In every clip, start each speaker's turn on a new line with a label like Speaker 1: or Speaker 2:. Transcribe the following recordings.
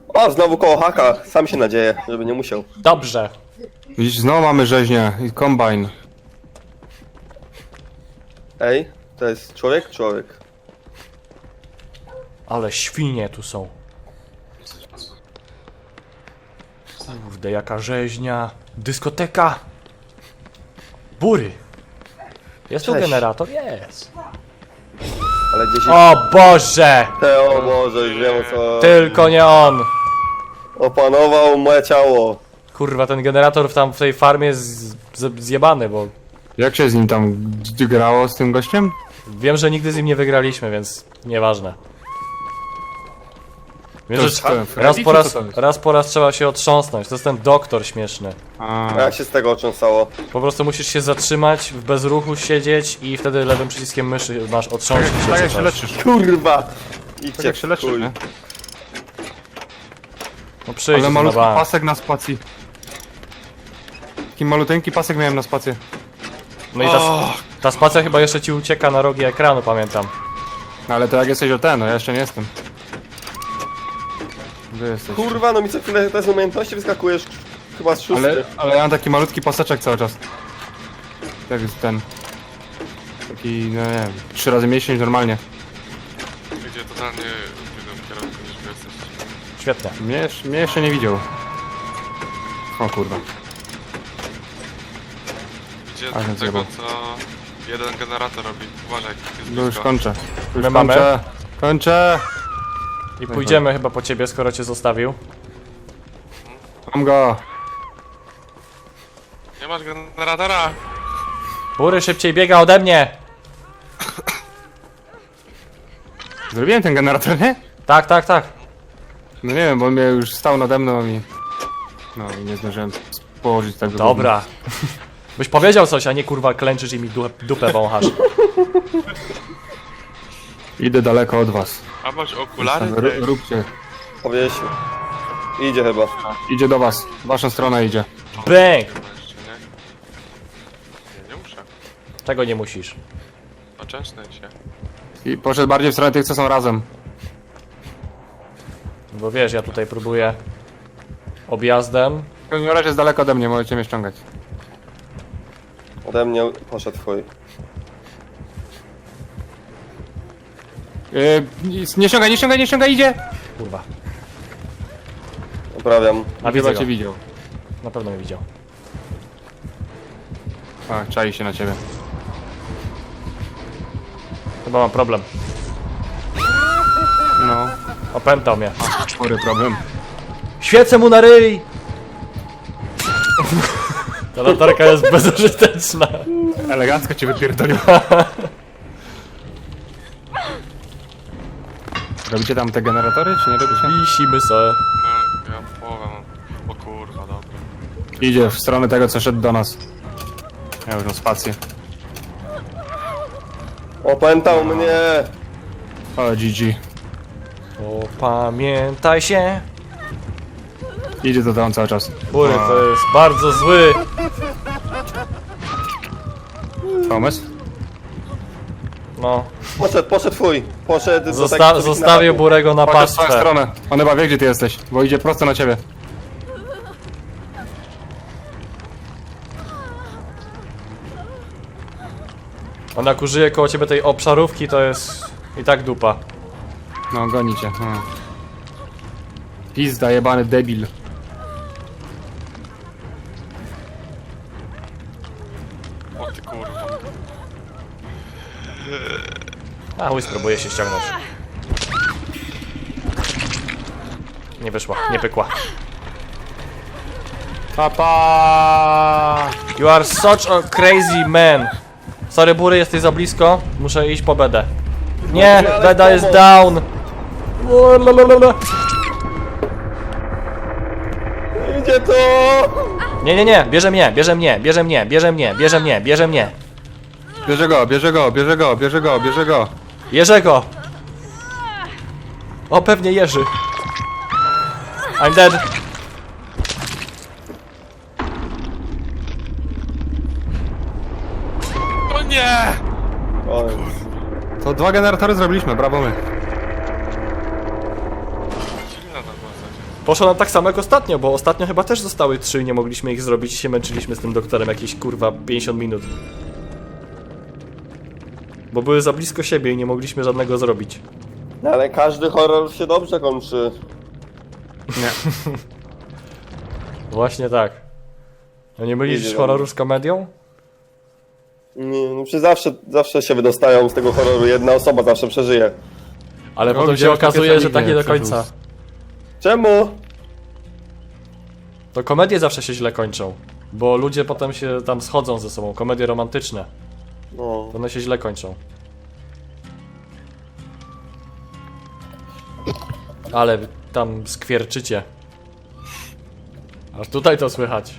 Speaker 1: O, znowu koło haka. Sam się nadzieję, żeby nie musiał.
Speaker 2: Dobrze.
Speaker 3: Widzisz, znowu mamy rzeźnię i kombajn.
Speaker 1: Ej, to jest człowiek? Człowiek.
Speaker 2: Ale świnie tu są. Kurde, jaka rzeźnia. Dyskoteka. Bury. Jest tu
Speaker 1: Cześć.
Speaker 2: generator? Jest.
Speaker 1: Ale gdzieś...
Speaker 2: O Boże!
Speaker 1: O Boże, już wiem o co...
Speaker 2: Tylko nie on.
Speaker 1: Opanował moje ciało.
Speaker 2: Kurwa, ten generator w tej farmie jest zjebany, bo
Speaker 3: Jak się z nim tam grało, z tym gościem?
Speaker 2: wiem, że nigdy z nim nie wygraliśmy, więc nieważne. Wiem,
Speaker 3: To
Speaker 2: że
Speaker 3: jest Freddy,
Speaker 2: raz
Speaker 3: czy
Speaker 2: po
Speaker 3: co
Speaker 2: raz,
Speaker 3: to jest?
Speaker 2: raz po raz trzeba się otrząsnąć. To jest ten doktor śmieszny.
Speaker 3: A,
Speaker 1: A jak się z tego otrząsało?
Speaker 2: Po prostu musisz się zatrzymać, w bezruchu siedzieć i wtedy lewym przyciskiem myszy masz otrząsnąć się.
Speaker 3: tak jak
Speaker 2: czy
Speaker 3: się
Speaker 2: coś.
Speaker 3: leczysz.
Speaker 1: Kurwa!
Speaker 3: Tak
Speaker 1: Idźcie
Speaker 3: jak się leczysz,
Speaker 1: chuj.
Speaker 3: nie?
Speaker 2: No przyjdź
Speaker 3: Ale
Speaker 2: na
Speaker 3: malutki
Speaker 2: bank.
Speaker 3: pasek na spacji. Taki maluteńki pasek miałem na spację.
Speaker 2: No i ta spacja chyba jeszcze ci ucieka na rogi ekranu, pamiętam.
Speaker 3: No ale to jak jesteś o ten, no ja jeszcze nie jestem. Gdzie jesteś?
Speaker 1: Kurwa, no mi co chwilę te z umiejętności wyskakujesz chyba z szósty.
Speaker 3: Ale ja mam taki malutki paseczek cały czas. Tak jest ten. Taki, no nie wiem, 3 razy mniejszy niż normalnie.
Speaker 4: Gdzie totalnie w innym kierunku niż wy jesteście.
Speaker 2: Świetnie.
Speaker 3: Mnie jeszcze nie widział. O kurwa.
Speaker 4: Gdzie
Speaker 3: Ale
Speaker 4: tego,
Speaker 3: zjebał.
Speaker 4: co jeden generator robi. Uważaj, jest
Speaker 3: No już
Speaker 4: blisko.
Speaker 3: kończę. Już
Speaker 2: My mamy?
Speaker 3: kończę. Kończę!
Speaker 2: I pójdziemy chyba po ciebie, skoro cię zostawił.
Speaker 3: Mam go!
Speaker 4: Nie masz generatora!
Speaker 2: Bury szybciej biega ode mnie!
Speaker 3: Zrobiłem ten generator, nie?
Speaker 2: Tak, tak, tak.
Speaker 3: No nie wiem, bo on mnie już stał nade mną i... No i nie zdążyłem położyć tego.
Speaker 2: Dobra. Byś powiedział coś, a nie kurwa klęczysz i mi dupę wąchasz.
Speaker 3: Idę daleko od was.
Speaker 4: A masz okulary?
Speaker 3: Róbcie.
Speaker 1: Powiesił. Idzie chyba.
Speaker 3: Idzie do was. W waszą stronę idzie.
Speaker 2: Bang!
Speaker 4: Jeszcze nie? Nie muszę.
Speaker 2: Tego nie musisz.
Speaker 4: Oczęszczę się.
Speaker 3: I poszedł bardziej w stronę tych, co są razem.
Speaker 2: Bo wiesz, ja tutaj próbuję objazdem.
Speaker 3: W każdym razie jest daleko ode mnie, możecie mnie ściągać.
Speaker 1: Ode mnie poszedł twój.
Speaker 3: Nie ściągaj, nie ściągaj, nie ściągaj, idzie!
Speaker 2: Kurwa.
Speaker 1: Poprawiam.
Speaker 2: A
Speaker 3: Chyba
Speaker 2: widzę
Speaker 3: cię
Speaker 2: go.
Speaker 3: widział.
Speaker 2: Na pewno mnie widział.
Speaker 3: A, czai się na ciebie.
Speaker 2: Chyba mam problem.
Speaker 3: No,
Speaker 2: Opętał mnie.
Speaker 3: spory problem.
Speaker 2: Świecę mu na ryj! Ta latarka jest bezużyteczna.
Speaker 3: Elegancko cię wypierdolił. Robicie tam te generatory, czy nie robicie?
Speaker 2: Wisimy se.
Speaker 4: No, ja połowę mam. O kurwa, dobra.
Speaker 3: Idzie w stronę tego, co szedł do nas. Ja już mam spację.
Speaker 1: Opętał mnie!
Speaker 3: O, GG.
Speaker 2: Opamiętaj się.
Speaker 3: Idzie to tam cały czas.
Speaker 2: Bury, to jest bardzo zły.
Speaker 3: Pomysł?
Speaker 2: No.
Speaker 1: Poszedł twój. Poszedł do takich, co
Speaker 2: Zostawił
Speaker 1: na
Speaker 2: Burego na
Speaker 3: Chodź w swoją
Speaker 2: pastwę.
Speaker 3: stronę. On chyba wie, gdzie ty jesteś, bo idzie prosto na ciebie.
Speaker 2: On jak użyje koło ciebie tej obszarówki, to jest i tak dupa.
Speaker 3: No, goni cię. No. Pizda, jebany debil.
Speaker 4: O ty kurwa.
Speaker 2: A, chuj, spróbuję się ściągnąć. Nie wyszła, nie pykła.
Speaker 3: Papa!
Speaker 2: You are such a crazy man. Sorry, Bury, jesteś za blisko. Muszę iść po bedę. Nie, beda jest down.
Speaker 1: Idzie to!
Speaker 2: Nie, nie, nie, bierze mnie, bierze mnie, bierze mnie, bierze mnie, bierze mnie, bierze mnie.
Speaker 3: Bierze go, bierze go, bierze go, bierze go, bierze go.
Speaker 2: Jerzego! O, pewnie Jerzy. I'm dead.
Speaker 4: O nie!
Speaker 1: O,
Speaker 3: To 2 generatory zrobiliśmy, brawo my.
Speaker 4: Silna ta postać jest.
Speaker 2: Poszło nam tak samo jak ostatnio, bo ostatnio chyba też zostały 3 i nie mogliśmy ich zrobić i się męczyliśmy z tym doktorem jakieś kurwa 50 minut. Bo były za blisko siebie i nie mogliśmy żadnego zrobić.
Speaker 1: No ale każdy horror się dobrze kończy.
Speaker 3: Nie.
Speaker 2: Właśnie tak. No nie mylisz horroru z komedią?
Speaker 1: Nie, no przecież zawsze się wydostają z tego horroru, jedna osoba zawsze przeżyje.
Speaker 2: Ale
Speaker 3: No,
Speaker 2: potem się
Speaker 3: widziałeś
Speaker 2: okazuje,
Speaker 3: takie
Speaker 2: że tak nie do
Speaker 3: samie
Speaker 2: końca.
Speaker 1: Czemu?
Speaker 2: To komedie zawsze się źle kończą. Bo ludzie potem się tam schodzą ze sobą. Komedie romantyczne.
Speaker 1: No.
Speaker 2: To one się źle kończą. Ale wy tam skwierczycie. Aż tutaj to słychać.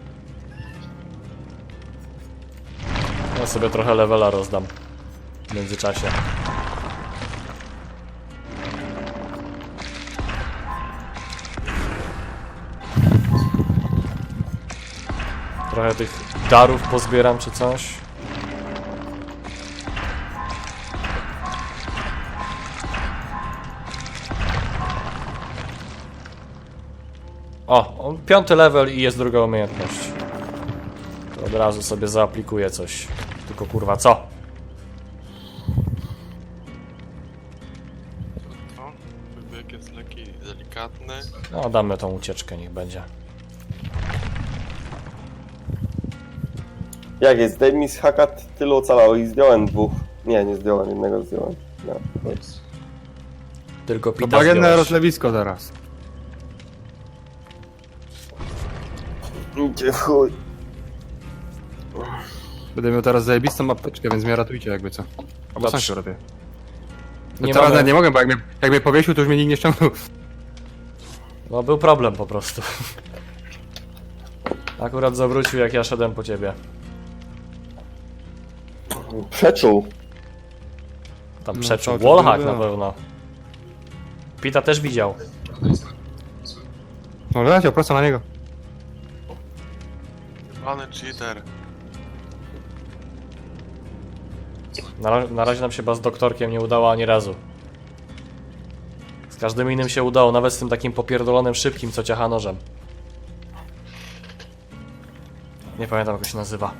Speaker 2: Ja sobie trochę levela rozdam. W międzyczasie. Trochę tych darów pozbieram czy coś. O, 5. level i jest druga umiejętność. To od razu sobie zaaplikuję coś. Tylko kurwa co?
Speaker 4: To, wybieg jest lekki, delikatny.
Speaker 2: No damy tą ucieczkę, niech będzie.
Speaker 1: Jak jest? Zdejmij z haka, tylu ocalało i zdjąłem 2. Nie zdjąłem, jednego zdjąłem. No, nic.
Speaker 2: Tylko
Speaker 3: To
Speaker 2: pita
Speaker 3: bagienne
Speaker 2: zdjąłeś.
Speaker 3: rozlewisko zaraz.
Speaker 1: Idzie w chuj.
Speaker 3: Będę miał teraz zajebistą apteczkę, więc mnie ratujcie jakby co. Albo
Speaker 2: Dobrze.
Speaker 3: sam się robię. No
Speaker 2: Nie
Speaker 3: teraz
Speaker 2: mamy-
Speaker 3: nawet nie mogę, bo jak mnie powiesił, to już mnie nikt nie ściągnął.
Speaker 2: No był problem po prostu. Akurat zawrócił jak ja szedłem po ciebie.
Speaker 1: Przeczuł.
Speaker 2: Tam
Speaker 3: No,
Speaker 2: przeczył.
Speaker 3: to
Speaker 2: Wallhack
Speaker 3: było.
Speaker 2: na pewno. Pita też widział.
Speaker 3: No leciał prosto na niego.
Speaker 4: Pany cheater.
Speaker 2: Na razie nam się chyba z doktorkiem nie udało ani razu. Z każdym innym się udało, nawet z tym takim popierdolonym szybkim, co ciacha nożem. Nie pamiętam jak się nazywa.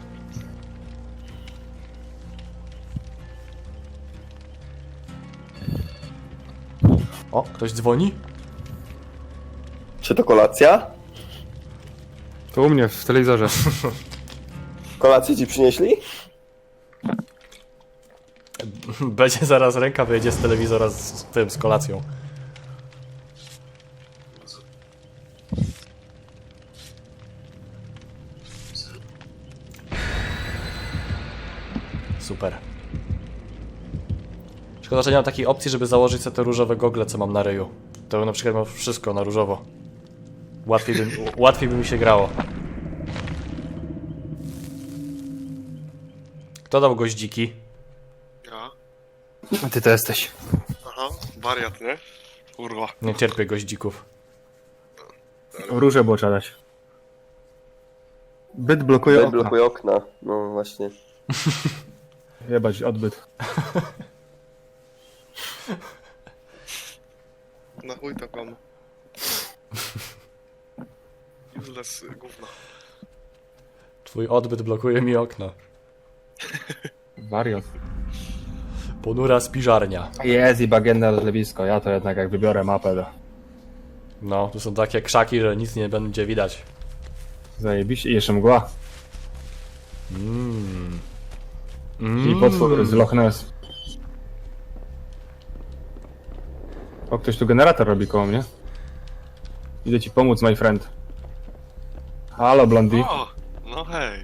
Speaker 2: O, ktoś dzwoni?
Speaker 1: Czy to kolacja?
Speaker 3: To u mnie w telewizorze.
Speaker 1: Kolację ci przynieśli?
Speaker 2: Będzie zaraz ręka wyjdzie z telewizora z tym, z kolacją. Super. Szkoda, że nie mam takiej opcji, żeby założyć sobie te różowe gogle, co mam na ryju. To bym na przykład miał wszystko na różowo. Łatwiej by mi się grało. Kto dał goździki?
Speaker 4: Ja?
Speaker 3: A ty to jesteś.
Speaker 4: Aha, wariat, nie? Kurwa.
Speaker 2: Nie cierpię goździków.
Speaker 3: Róże było trzeba dać. Byt blokuje okna.
Speaker 1: Blokuje okna. No właśnie.
Speaker 3: Jebać odbyt.
Speaker 4: Na chuj to komu. Useless gówno.
Speaker 2: Twój odbyt blokuje mi okno.
Speaker 3: Wariot.
Speaker 2: Ponura spiżarnia.
Speaker 3: Jest i bagienne rozlewisko. Ja to jednak jak wybiorę mapę, to
Speaker 2: No, tu są takie krzaki, że nic nie będzie widać.
Speaker 3: zajebiście. I jeszcze mgła. I potwór z Loch Ness. O, ktoś tu generator robi koło mnie. Idę ci pomóc, my friend. Halo, Blondie.
Speaker 4: O! No hej.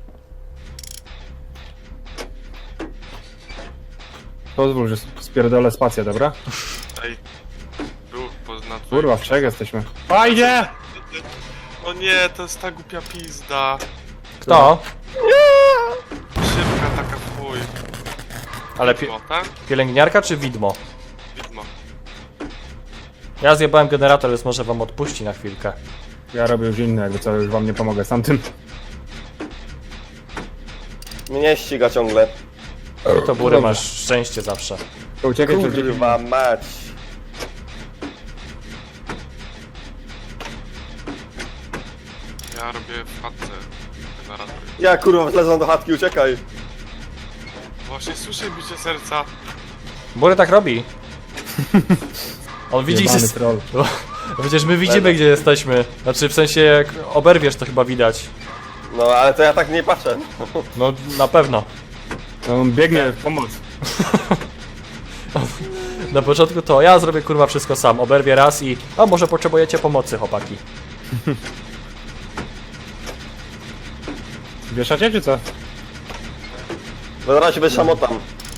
Speaker 3: Pozwól, że spierdolę spację, dobra?
Speaker 4: Ej. Był na
Speaker 3: Kurwa, w trzech jesteśmy. Fajnie!
Speaker 4: O nie, to jest ta głupia pizda.
Speaker 2: Kto?
Speaker 4: Szybka taka w chuj.
Speaker 2: Ale
Speaker 4: O, tak?
Speaker 2: pielęgniarka czy widmo?
Speaker 4: Widmo.
Speaker 2: Ja zjebałem generator, więc może wam odpuści na chwilkę.
Speaker 3: Ja robię już inne, jakby co, już wam nie pomogę z tamtym.
Speaker 1: Mnie ściga ciągle.
Speaker 2: To bury masz szczęście zawsze.
Speaker 3: To uciekaj przed dziećmi.
Speaker 1: Kurwa mać.
Speaker 4: Ja robię w chatce generator.
Speaker 1: Ja kurwa wlezam do chatki, uciekaj.
Speaker 4: Właśnie słyszę bicie serca.
Speaker 2: Bury tak robi. On widzi
Speaker 3: Jebany
Speaker 2: się...
Speaker 3: troll.
Speaker 2: Przecież my widzimy, gdzie jesteśmy. Znaczy, w sensie, jak oberwiesz, to chyba widać.
Speaker 1: No ale to ja tak nie patrzę.
Speaker 2: No, na pewno.
Speaker 3: No, on biegnie w pomoc.
Speaker 2: Na początku to ja zrobię kurwa wszystko sam. Oberwię raz i... A może potrzebujecie pomocy, chłopaki.
Speaker 3: Wieszacie czy co?
Speaker 1: No zaraz się wyszamotam.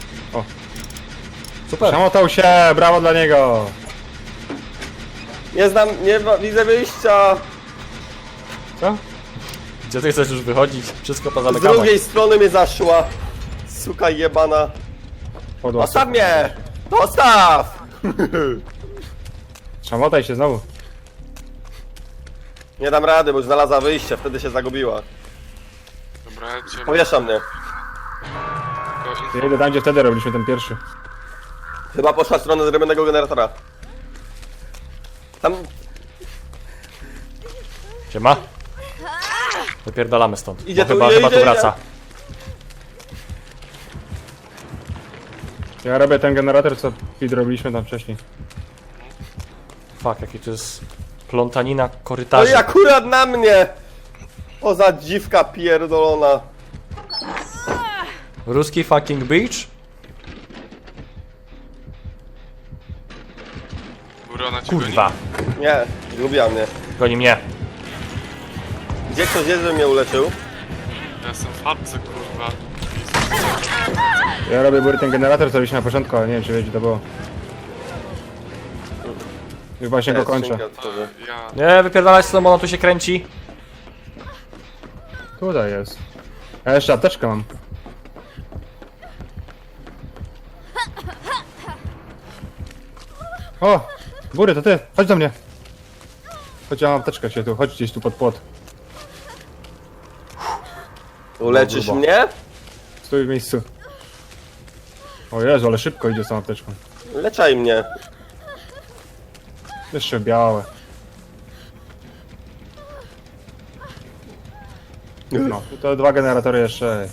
Speaker 2: Super.
Speaker 3: Szamotał się, brawo dla niego.
Speaker 1: Nie znam, widzę wyjścia.
Speaker 3: Co?
Speaker 2: Gdzie ty chcesz już wychodzić? Wszystko
Speaker 1: Z
Speaker 2: pozamykane.
Speaker 1: drugiej strony mnie zaszła. Suka jebana.
Speaker 3: Podłos.
Speaker 1: Zostaw mnie! Zostaw!
Speaker 3: Szamotaj się znowu.
Speaker 1: Nie dam rady, bo już znalazła wyjście, wtedy się zagubiła.
Speaker 4: Dobra, ja cię...
Speaker 1: Powiesza mnie.
Speaker 3: Ja idę tam, gdzie wtedy robiliśmy ten pierwszy.
Speaker 1: Chyba poszła w stronę zrobionego generatora. Tam...
Speaker 2: Siema. Wypierdalamy stąd.
Speaker 1: Idzie
Speaker 2: Bo
Speaker 1: tu,
Speaker 2: chyba,
Speaker 1: idzie,
Speaker 2: chyba tu
Speaker 1: idzie,
Speaker 2: wraca.
Speaker 3: Ja robię ten generator, co robiliśmy tam wcześniej.
Speaker 2: Fuck, jaki to jest plątanina
Speaker 1: No
Speaker 2: korytarzy.
Speaker 1: i akurat na mnie! Poza dziwka pierdolona.
Speaker 2: Ruski fucking beach?
Speaker 4: Góra na ciebie
Speaker 2: Kurwa.
Speaker 1: Nie, zgubiła mnie.
Speaker 2: Goni mnie.
Speaker 1: Gdzie ktoś jest, żeby mnie uleczył?
Speaker 4: Ja jestem w chatce, kurwa.
Speaker 3: Ja robię bury ten generator, co robiliśmy na początku, ale nie wiem, czy wiecie, to było. Już właśnie go
Speaker 1: Jest,
Speaker 3: kończę.
Speaker 1: skrzynka otworzę.
Speaker 4: Ja...
Speaker 2: Nie, wypierdalać z tobą, ona tu się kręci.
Speaker 3: Tutaj jest. Ja jeszcze apteczkę mam. O! Bury, to ty! Chodź do mnie! Chodź, ja mam apteczkę się tu, chodź gdzieś tu pod płot.
Speaker 1: Uleczysz
Speaker 3: grubo.
Speaker 1: mnie?
Speaker 3: Stój w miejscu. O Jezu, ale szybko idzie z tą apteczką.
Speaker 1: Leczaj mnie.
Speaker 3: Jeszcze białe. No, to dwa generatory jeszcze.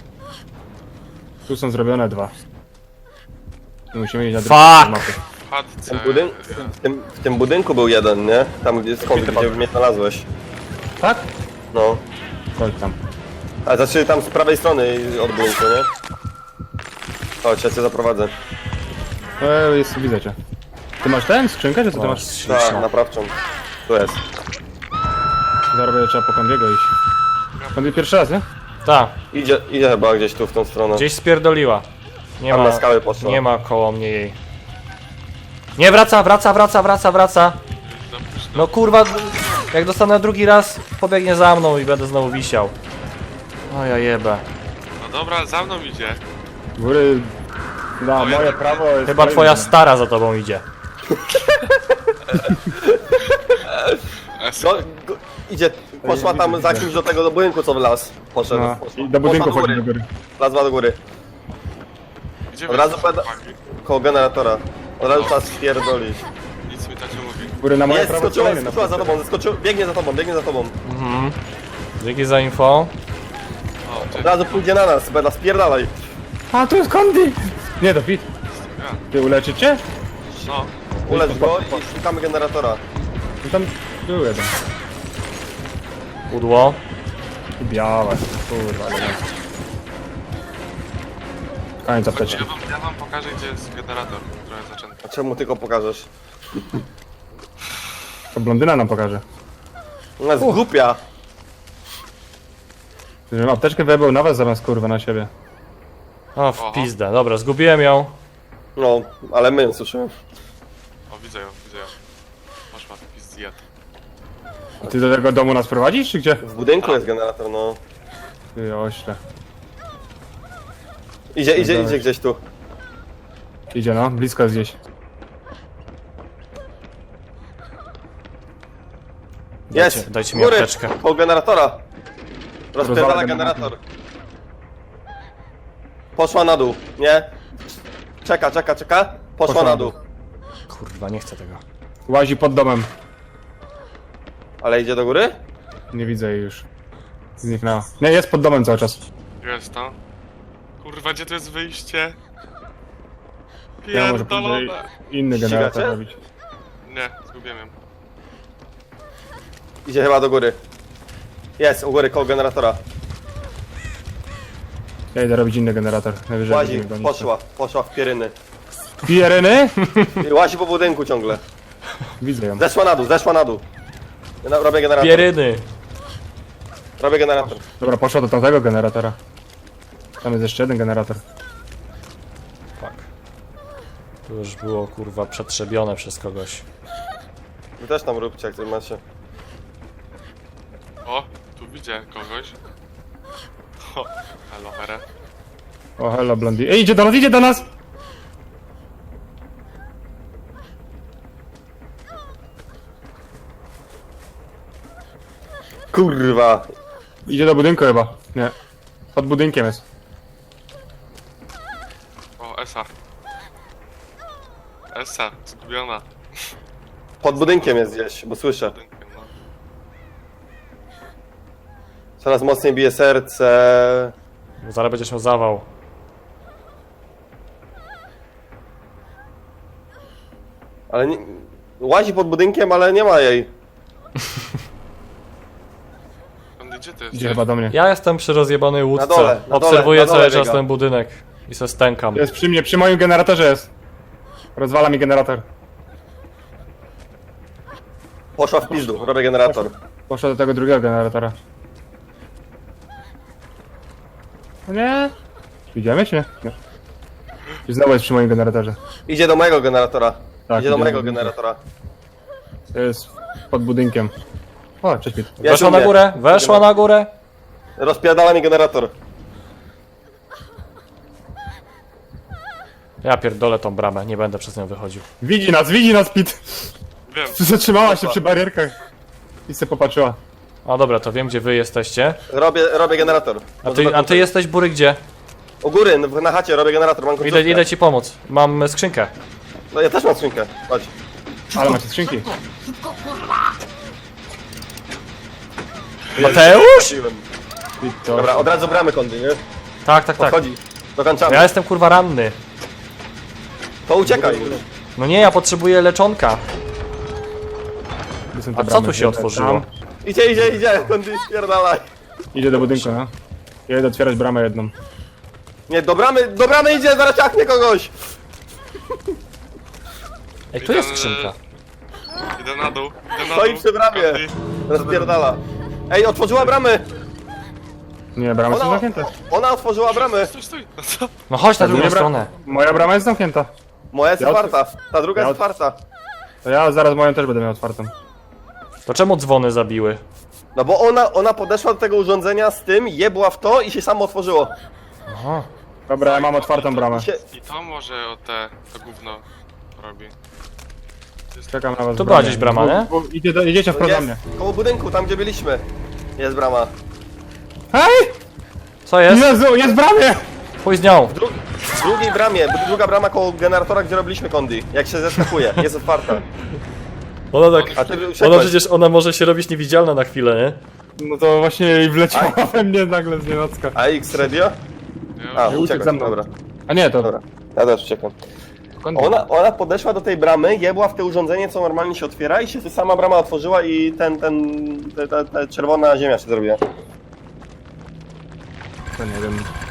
Speaker 3: Tu są zrobione dwa. Tu musimy iść na drugą
Speaker 2: Fuck!
Speaker 3: mapę.
Speaker 4: W chatce...
Speaker 1: W tym budynku był jeden, nie? Tam gdzie gdzie mnie znalazłeś.
Speaker 3: Tak?
Speaker 1: No.
Speaker 3: Chodź tam.
Speaker 1: A znaczy tam z prawej strony od budynku, nie? Chodź, ja cię zaprowadzę.
Speaker 3: Jest, widzę cię. Ty masz ten? Skrzynkę, czy co ty masz?
Speaker 1: Tak, naprawczą. Tu jest.
Speaker 3: Zarobię, trzeba po Kondiego iść. Kondy pierwszy raz, nie?
Speaker 2: Ta,
Speaker 1: Idzie chyba gdzieś tu w tą stronę.
Speaker 2: gdzieś spierdoliła. Nie
Speaker 1: Tam
Speaker 2: ma,
Speaker 1: na skałę poszła.
Speaker 2: nie ma koło mnie jej. Nie, wraca. No kurwa, jak dostanę drugi raz, pobiegnie za mną i będę znowu wisiał. O ja jebę.
Speaker 4: No dobra, za mną idzie.
Speaker 3: Góry... Na
Speaker 4: O,
Speaker 3: moje
Speaker 4: ja-
Speaker 3: prawo jest...
Speaker 2: Chyba twoja stara za tobą idzie.
Speaker 1: No, idzie, poszła tam za kimś do tego budynku, co w las. Poszedł.
Speaker 3: No,
Speaker 1: Poszła.
Speaker 3: i do budynku
Speaker 1: Poszła
Speaker 3: chodzi do góry.
Speaker 1: Wlazła do góry.
Speaker 4: Gdzie
Speaker 1: Od razu
Speaker 4: jesteście,
Speaker 1: będę-
Speaker 4: chłopaki?
Speaker 1: Koło generatora. Od razu trzeba spierdolić.
Speaker 4: Nic mi tacie mówi.
Speaker 3: Góry na moje
Speaker 1: Jest,
Speaker 3: prawo
Speaker 1: skoczyła,
Speaker 3: kolejny
Speaker 1: skoczyła za tobą, zeskoczył, biegnie za tobą.
Speaker 2: Dzięki za info.
Speaker 4: O,
Speaker 1: Od
Speaker 4: cześć.
Speaker 1: razu pójdzie na nas, Bela, spierdalaj.
Speaker 3: A, tu jest Kondi! Nie, to Pit.
Speaker 4: Ja.
Speaker 3: Ty uleczycie?
Speaker 4: No.
Speaker 1: Ulecz go i szukamy generatora.
Speaker 3: No tam był jeden.
Speaker 2: Pudło.
Speaker 3: I białe. Kurwa, ale nie. Koniec apteczki.
Speaker 4: Ja wam pokażę, gdzie jest generator. Trochę zaczęty.
Speaker 1: A czemu tylko pokażesz?
Speaker 3: To blondyna nam pokaże.
Speaker 1: Ona jest głupia.
Speaker 3: Żebym apteczkę wyjebał na was zamiast kurwa na siebie.
Speaker 2: O, w pizdę. Dobra, zgubiłem ją.
Speaker 1: No, ale my ją słyszymy.
Speaker 4: O, widzę ją. Poszła taki zjad.
Speaker 3: A ty do tego domu nas prowadzisz, czy gdzie?
Speaker 1: W budynku jest generator, no.
Speaker 3: Ty ośle.
Speaker 1: Idzie gdzieś tu.
Speaker 3: Idzie no, blisko jest gdzieś.
Speaker 1: Jest!
Speaker 2: dajcie mi
Speaker 1: Góry,
Speaker 2: apteczkę.
Speaker 1: koło generatora. Rozpierdala
Speaker 3: Rozwala
Speaker 1: generator. Poszła na dół, nie? Czeka. Poszła na dół.
Speaker 2: Kurwa, nie chcę tego.
Speaker 3: Łazi pod domem.
Speaker 1: Ale idzie do góry?
Speaker 3: Nie widzę jej już. Zniknęła. Nie, jest pod domem cały czas.
Speaker 4: Jest to. Kurwa, gdzie tu jest wyjście?
Speaker 3: Ja może próbuję
Speaker 4: Pierdolone.
Speaker 3: inny generator
Speaker 1: Ścigacie?
Speaker 3: robić.
Speaker 4: Nie, zgubiłem ją.
Speaker 1: Idzie chyba do góry. Jest, u góry koło generatora.
Speaker 3: Ja idę robić inny generator. Najwyżej
Speaker 1: Łazi,
Speaker 3: będziemy gonić.
Speaker 1: poszła w pieryny.
Speaker 3: Pieryny?
Speaker 1: I łazi po budynku ciągle.
Speaker 3: Widzę ją.
Speaker 1: Zeszła na dół. Robię generator.
Speaker 2: Pieryny.
Speaker 1: Robię generator.
Speaker 3: Dobra, poszła do tamtego generatora. Tam jest jeszcze jeden generator.
Speaker 2: Tak. Tu już było kurwa przetrzebione przez kogoś.
Speaker 1: Wy też tam róbcie, jak coś macie.
Speaker 4: O, tu widzę kogoś. O, aloe vera.
Speaker 3: O, hello, Blondie. Ej, idzie do nas, idzie do nas!
Speaker 1: Kurwa.
Speaker 3: Idzie do budynku chyba. Nie. Pod budynkiem jest.
Speaker 4: O, Esa. Esa, zgubiona.
Speaker 1: Pod budynkiem jest gdzieś, bo słyszę.
Speaker 4: Budynkiem, no.
Speaker 1: Coraz mocniej bije serce.
Speaker 2: Bo zaraz będziesz miał zawał.
Speaker 1: Ale nie, łazi pod budynkiem, ale nie ma jej.
Speaker 4: Gdzie ty
Speaker 3: Idzie
Speaker 4: jesteś?
Speaker 3: chyba do mnie.
Speaker 2: Ja jestem przy rozjebanej łódce.
Speaker 1: Na dole,
Speaker 2: Obserwuję
Speaker 1: na dole
Speaker 2: cały czas
Speaker 1: biega.
Speaker 2: ten budynek. I se stękam.
Speaker 3: Jest przy mnie, przy moim generatorze jest. Rozwala mi generator.
Speaker 1: Poszła w pizdu, robię generator.
Speaker 3: Poszła do tego drugiego generatora. No nie? Idziemy czy nie? Nie. I znowu jest przy moim generatorze.
Speaker 1: Idzie do mojego generatora.
Speaker 3: Tak,
Speaker 1: Idzie do mojego
Speaker 3: budynku.
Speaker 1: generatora.
Speaker 3: To jest pod budynkiem. O, cześć Pit.
Speaker 1: Jest
Speaker 2: Weszła
Speaker 1: u
Speaker 2: na
Speaker 1: mnie.
Speaker 2: górę, weszła na górę.
Speaker 1: Rozpierdala mi generator.
Speaker 2: Ja pierdolę tą bramę, nie będę przez nią wychodził.
Speaker 3: Widzi nas Pit!
Speaker 4: Wiem.
Speaker 3: Zatrzymała się przy barierkach. I se popatrzyła.
Speaker 2: A dobra, to wiem gdzie wy jesteście.
Speaker 1: Robię generator.
Speaker 2: A ty jesteś Bury gdzie?
Speaker 1: U góry, na chacie robię generator, mam końcówkę.
Speaker 2: Idę ci pomóc. Mam skrzynkę.
Speaker 1: No ja też mam skrzynkę, chodź.
Speaker 3: Ale macie skrzynki.
Speaker 2: Mateusz?
Speaker 3: Pit to...
Speaker 1: Dobra, od razu bramy kondy, nie?
Speaker 2: Tak, tak, tak.
Speaker 1: Podchodzi. Dokończamy.
Speaker 2: Ja jestem kurwa ranny.
Speaker 1: To uciekaj.
Speaker 2: No nie, ja potrzebuję leczonka.
Speaker 3: Gdzie są te
Speaker 2: A co
Speaker 3: bramy?
Speaker 2: tu się otworzyło?
Speaker 3: Tam.
Speaker 1: Idzie, kondy, spierdalaj.
Speaker 3: Idzie do budynku, no. Ja idę otwierać bramę jedną.
Speaker 1: Nie, do bramy idzie, zaraz ciachnie kogoś.
Speaker 2: Ej, tu jest skrzynka.
Speaker 4: Idę na dół, idę na
Speaker 1: Stoi
Speaker 4: dół.
Speaker 1: przy bramie.
Speaker 4: Andy.
Speaker 1: Rozpierdala. Ej, otworzyła bramy.
Speaker 3: Nie, bramy są
Speaker 1: Ona,
Speaker 3: zamknięte.
Speaker 1: ona otworzyła bramy.
Speaker 4: Stój. No co?
Speaker 2: No chodź na drugą
Speaker 3: Nie,
Speaker 2: stronę.
Speaker 3: Moja brama jest zamknięta.
Speaker 1: Moja jest
Speaker 3: Ja
Speaker 1: otwarta, ta druga
Speaker 3: ja
Speaker 1: jest otwarta.
Speaker 3: To ja zaraz moją też będę miał otwartą.
Speaker 2: To czemu dzwony zabiły?
Speaker 1: No bo ona podeszła do tego urządzenia z tym, jebła w to i się samo otworzyło.
Speaker 2: Aha.
Speaker 3: Dobra, ja mam otwartą bramę.
Speaker 1: I
Speaker 4: I to może o to gówno robi.
Speaker 3: Czekam na was.
Speaker 2: To
Speaker 3: w
Speaker 2: była
Speaker 3: bramie.
Speaker 2: gdzieś brama, nie?
Speaker 3: Idziecie wprost do mnie.
Speaker 1: jest, koło budynku, tam gdzie byliśmy. Jest brama.
Speaker 3: Hej!
Speaker 2: Co jest?
Speaker 3: Jezu, jest w bramie!
Speaker 2: Pójdź z nią.
Speaker 1: W drugiej bramie, druga brama koło generatora, gdzie robiliśmy kondy. Jak się zeskakuje, jest otwarta.
Speaker 2: Ona tak...
Speaker 1: A ty
Speaker 2: Ona
Speaker 1: uciekłeś.
Speaker 2: przecież, ona może się robić niewidzialna na chwilę, nie?
Speaker 3: No to właśnie wleciała we mnie nagle z nienacka.
Speaker 1: A X radio? A,
Speaker 3: uciekł
Speaker 1: uciekłeś,
Speaker 3: za mną.
Speaker 1: dobra.
Speaker 3: A nie, to...
Speaker 1: Dobra, ja też uciekam. Ona podeszła do tej bramy, jebła w te urządzenie, co normalnie się otwiera i się sama brama otworzyła i ta czerwona ziemia się zrobiła.
Speaker 3: To nie wiem.